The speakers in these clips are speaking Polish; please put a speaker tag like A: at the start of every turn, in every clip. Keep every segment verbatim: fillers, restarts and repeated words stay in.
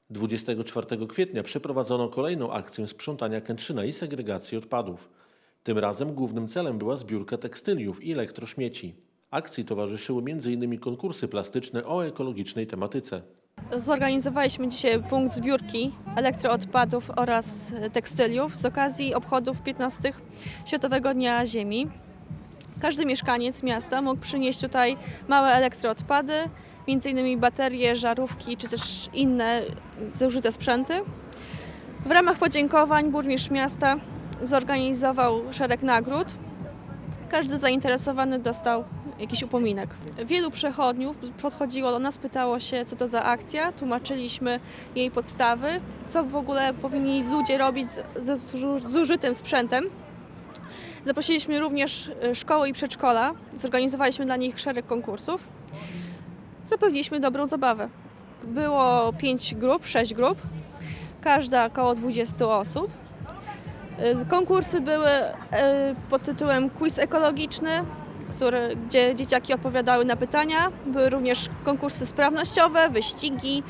A: dwudziestego czwartego kwietnia przeprowadzono kolejną akcję sprzątania Kętrzyna i segregacji odpadów. Tym razem głównym celem była zbiórka tekstyliów i elektrośmieci. Akcji towarzyszyły między innymi konkursy plastyczne o ekologicznej tematyce.
B: Zorganizowaliśmy dzisiaj punkt zbiórki elektroodpadów oraz tekstyliów z okazji obchodów piętnastego Światowego Dnia Ziemi. Każdy mieszkaniec miasta mógł przynieść tutaj małe elektroodpady, między innymi baterie, żarówki czy też inne zużyte sprzęty. W ramach podziękowań burmistrz miasta zorganizował szereg nagród. Każdy zainteresowany dostał jakiś upominek. Wielu przechodniów podchodziło do nas, pytało się, co to za akcja. Tłumaczyliśmy jej podstawy, co w ogóle powinni ludzie robić ze zużytym sprzętem. Zaprosiliśmy również szkoły i przedszkola, zorganizowaliśmy dla nich szereg konkursów. Zapewniliśmy dobrą zabawę. Było pięć grup, sześć grup, każda około dwudziestu osób. Konkursy były pod tytułem Quiz ekologiczny, który, gdzie dzieciaki odpowiadały na pytania. Były również konkursy sprawnościowe, wyścigi.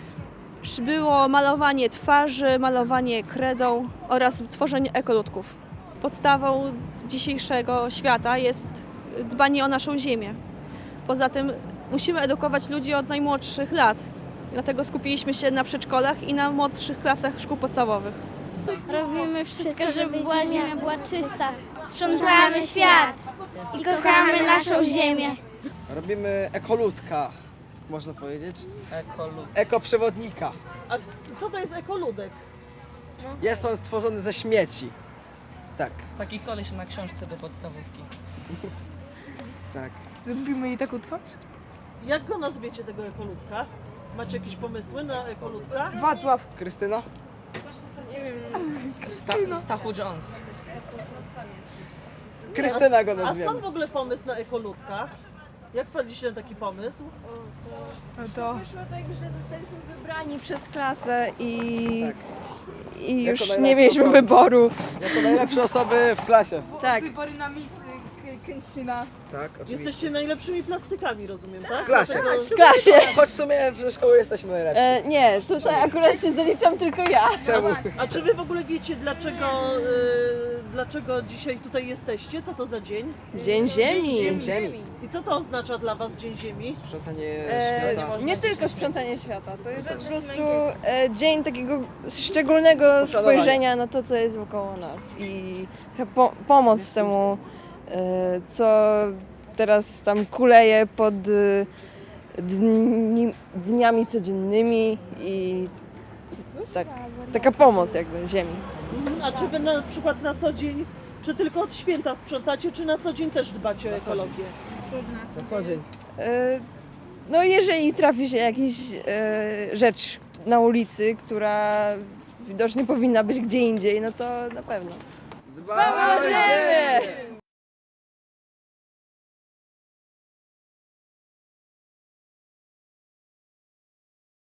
B: Było malowanie twarzy, malowanie kredą oraz tworzenie ekoludków. Podstawą dzisiejszego świata jest dbanie o naszą ziemię. Poza tym musimy edukować ludzi od najmłodszych lat. Dlatego skupiliśmy się na przedszkolach i na młodszych klasach szkół podstawowych.
C: Robimy wszystko, żeby była ziemia była czysta. Sprzątamy świat i kochamy naszą ziemię.
D: Robimy ekoludka, można powiedzieć.
E: Ekolud.
D: Ekoprzewodnika.
F: A co to jest ekoludek?
D: Jest on stworzony ze śmieci. Tak,
E: Taki koleś na książce do podstawówki.
D: tak.
G: Zrobimy jej taką twarz?
F: Jak go nazwiecie tego ekoludka? Macie jakieś pomysły na ekoludka?
G: Wacław.
D: Krystyna?
E: Sta Stachu Jones.
D: Krystyna go
F: A skąd
D: nazwiemy.
F: w ogóle pomysł na ekoludka? Jak wpadliście na taki pomysł?
G: To
H: Wyszło tak, że zostaliśmy wybrani przez klasę i,
D: Tak.
H: i
D: Jako
H: już
D: najlepsze
H: nie mieliśmy
D: osoby.
H: wyboru.
D: Jako najlepsze osoby w klasie.
H: Tak.
G: wybory na Miss Kętrzyna.
D: Tak, oczywiście.
F: Jesteście najlepszymi plastykami, rozumiem, tak?
D: W klasie.
F: Dlatego-
H: W klasie.
D: Choć w sumie ze szkoły jesteśmy najlepsi.
H: E, nie, tutaj akurat się zaliczam tylko ja.
D: Czemu?
F: A czy wy w ogóle wiecie, dlaczego, y, dlaczego dzisiaj tutaj jesteście? Co to za dzień?
H: Dzień Ziemi.
D: Dzień Ziemi.
F: I co to oznacza dla was Dzień Ziemi?
D: Sprzątanie
H: E,
D: świata.
H: nie tylko sprzątanie świata, to jest po prostu e, dzień takiego szczególnego
D: Poszanowania.
H: spojrzenia na to, co jest wokoło nas i po, pomoc temu, e, co teraz tam kuleje pod e, dni, dniami codziennymi i c- tak, taka pomoc jakby ziemi.
F: Mhm. A czy wy na przykład na co dzień, czy tylko od święta sprzątacie, czy na co dzień też dbacie o ekologię?
D: Co co dzień.
H: E, No jeżeli trafi się jakaś e, rzecz na ulicy, która widocznie powinna być gdzie indziej, no to na pewno.
D: Dbamy o ziemię!